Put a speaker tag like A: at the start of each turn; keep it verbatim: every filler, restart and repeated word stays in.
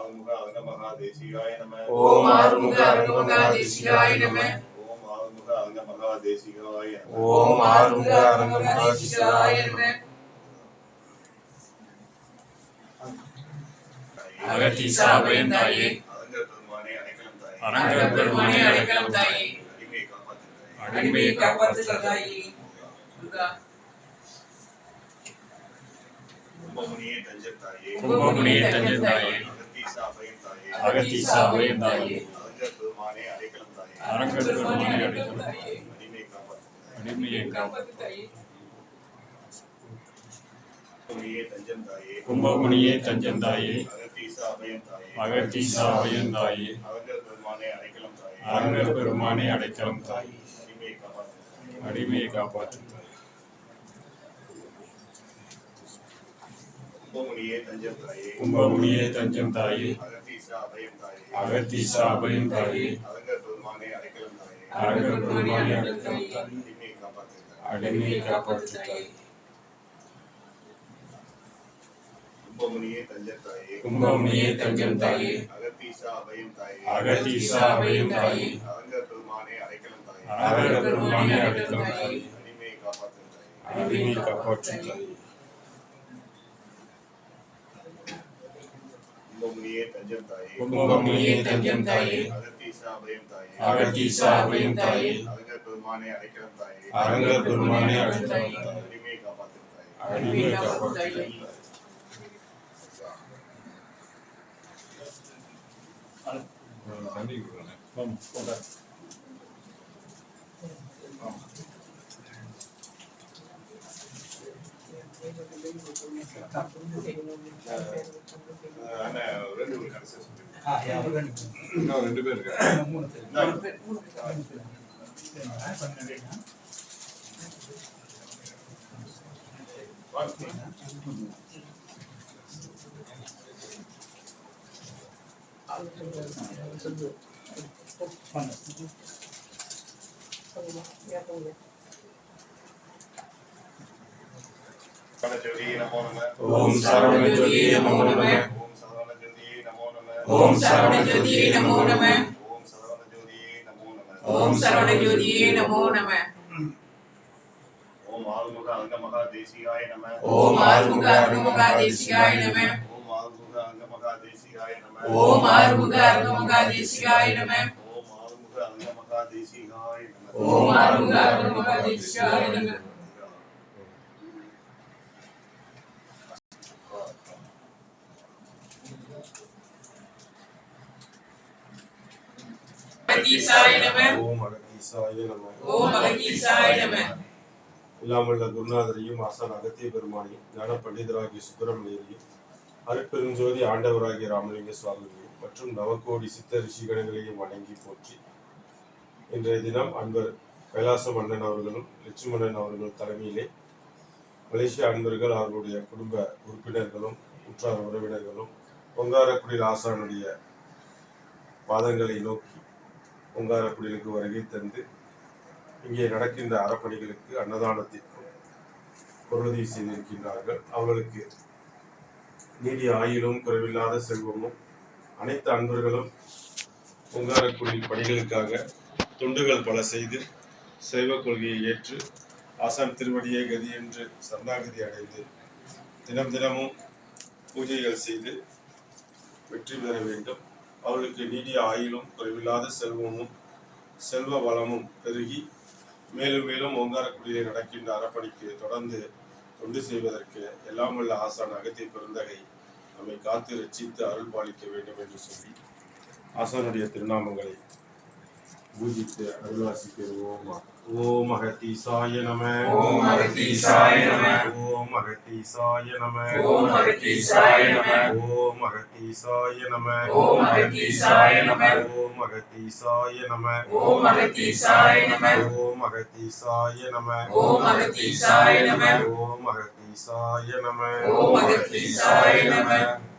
A: ஆறுமுக அங்கமகாதேசிகாய நம.
B: ஓம் ஆறுமுக அங்கமகாதேசிகாய நம.
A: ஓம் ஆறுமுக அங்கமகாதேசிகாய நம.
B: ஓம் ஆறுமுக அங்கமகாதேசிகாய நம. அகத்தீசா அபயம் தாயே,
A: அரங்கர் பெருமானே அடைக்கலம் தாயே,
B: அரங்கர் பெருமானே அடைக்கலம் தாயே,
A: அடிமையை காப்பாற்று தாயே,
B: அடிமையை காப்பாற்றுக தாயே. துர்கா
A: கும்பமுனியே தஞ்சம் தாயே,
B: கும்பமுனியே தஞ்சம் தாயே,
A: அகத்தீசா அபயம் தாயே,
B: அகத்தீசா அபயம் தாயே,
A: அரங்கர் பெருமானே அடைக்கலம் தாயே,
B: அரங்கர் பெருமானே அடைக்கலம் தாயே,
A: அடிமையை காப்பாற்று தாயே,
B: அடிமையை காப்பாற்று தாயே.
A: கும்பமுனியே தஞ்சம் தாயே,
B: கும்பமுனியே தஞ்சம் தாயே,
A: அகத்தீசா அபயம் தாயே,
B: அகத்தீசா அபயம் தாயே,
A: அரங்கர் பெருமானே அடைக்கலம் தாயே,
B: அரங்கர் பெருமானே அடைக்கலம் தாயே,
A: அடிமையை காப்பாற்று தாயே,
B: அடிமையை காப்பாற்று தாயே.
A: கும்பமுனியே தஞ்சம் தாயே,
B: கும்பமுனியே தஞ்சம் தாயே,
A: அகத்தீசா அபயம் தாயே,
B: அகத்தீசா அபயம் தாயே,
A: அரங்கர் பெருமானே அடைக்கலம் தாயே,
B: அரங்கர் பெருமானே அடைக்கலம் தாயே,
A: அடிமையை காப்பாற்று தாயே,
B: அடிமையை காப்பாற்று தாயே.
A: கும்பமுனியே தஞ்சம் தாயே,
B: கும்பமுனியே தஞ்சம் தாயே,
A: அகத்தீசா அபயம் தாயே,
B: அகத்தீசா அபயம் தாயே,
A: அரங்கர் பெருமானே அடைக்கலம் தாயே,
B: அரங்கர் பெருமானே அடைக்கலம் தாயே,
A: அடிமையை காப்பாற்று தாயே,
B: அடிமையை காப்பாற்று தாயே.
A: கும்பமுனியே தஞ்சம் தாயே,
B: கும்பமுனியே தஞ்சம் தாயே,
A: அகத்தீசா அபயம் தாயே,
B: அகத்தீசா அபயம் தாயே,
A: அரங்கர் பெருமானே அடைக்கலம் தாயே,
B: அரங்கர் பெருமானே அடைக்கலம் தாயே,
A: அடிமையை காப்பாற்று தாயே,
B: அடிமையை காப்பாற்று தாயே.
A: அண்ணா ரெண்டு பேரும் கடைசி சொல்லுங்க.
C: இன்னும் ரெண்டு பேர் இருக்காங்க.
A: சரவணஜோதியே நமோ நம.
B: ஓம் சரவணஜோதியே நமோ நம.
A: ஓம் சரவணஜோதியே நமோ நம.
B: ஓம் சரவணஜோதியே நமோ நம.
A: ஓம் சரவணஜோதியே நமோ நம.
B: ஓம் சரவணஜோதியே நமோ நம.
A: ஓம் ஆறுமுக அங்கமகாதேசிகாய நம.
B: ஓம் ஆறுமுக அங்கமகாதேசிகாய நம.
A: ஓம் ஆறுமுக அங்கமகாதேசிகாய நம.
B: ஓம் ஆறுமுக அங்கமகாதேசிகாய நம.
A: ஓம் ஆறுமுக அங்கமகாதேசிகாய நம.
B: ஓம் ஆறுமுக அங்கமகாதேசிகாய நம. அகத்தீசாய நம.
C: ஓம் அகத்தீசாய நம.
B: ஓம் அகத்தீசாய நம.
C: இல்லாமல்ல குருநாதரையும் ஆசான் அகத்திய பெருமானையும் ஞான பண்டிதராகிய சுப்பிரமணியரையும் அருட்பெருஞ்சோதி ஆண்டவராகிய ராமலிங்க சுவாமிகளையும் மற்றும் நவகோடி சித்த ரிஷிகணங்களையும் வணங்கி போற்றி இன்றைய தினம் அன்பர் கைலாச மன்னன் அவர்களும் லட்சுமணன் அவர்கள் தலைமையிலே மலேசிய அன்பர்கள் அவர்களுடைய குடும்ப உறுப்பினர்களும் உற்றார் உறவினர்களும் பொங்காரக்குடியில் ஆசானுடைய பாதங்களை நோக்கி பொங்காரக்குடிலுக்கு வருகை தந்து இங்கே நடக்கின்ற அறப்பணிகளுக்கு அன்னதானத்திற்கும் பொருளுதவி செய்திருக்கின்றார்கள். அவர்களுக்கு நீடிய ஆயுளும் குறைவில்லாத செல்வமும் அனைத்து அன்பர்களும் பொங்காரக்குடில் பணிகளுக்காக தொண்டுகள் பல செய்து சைவ கொள்கையை ஏற்று ஆசான் திருவடியை கதி என்று சரணாகதி அடைந்து தினம் தினமும் பூஜைகள் செய்து வெற்றி பெற வேண்டும். அவர்களுக்கு நீடிய ஆயுளும் குறைவில்லாத செல்வமும் செல்வ வளமும் பெருகி மேலும் மேலும் ஓங்காரக்குடியிலே நடக்கின்ற அறப்பணிக்கு தொடர்ந்து தொண்டு செய்வதற்கு எல்லாம் உள்ள ஆசான் அகத்திய பெருந்தகை நம்மை காத்து ரட்சித்து அருள் பாலிக்க வேண்டும் என்று சொல்லி ஆசானுடைய திருநாமங்களை பூஜித்து அருள்வாசி பெறுவோம். ஓம் அகத்தீசாய நம.
B: ஓம் அகத்தீசாய நம.
C: ஓம் அகத்தீசாய நம.
B: ஓம் அகத்தீசாய நம.
C: ஓம் அகத்தீசாய நம.
B: ஓம் அகத்தீசாய நம.
C: ஓம் அகத்தீசாய நம.
B: ஓம் அகத்தீசாய நம.
C: ஓம் அகத்தீசாய நம.
B: ஓம் அகத்தீசாய நம.
C: ஓம் அகத்தீசாய நம.
B: ஓம் அகத்தீசாய நம.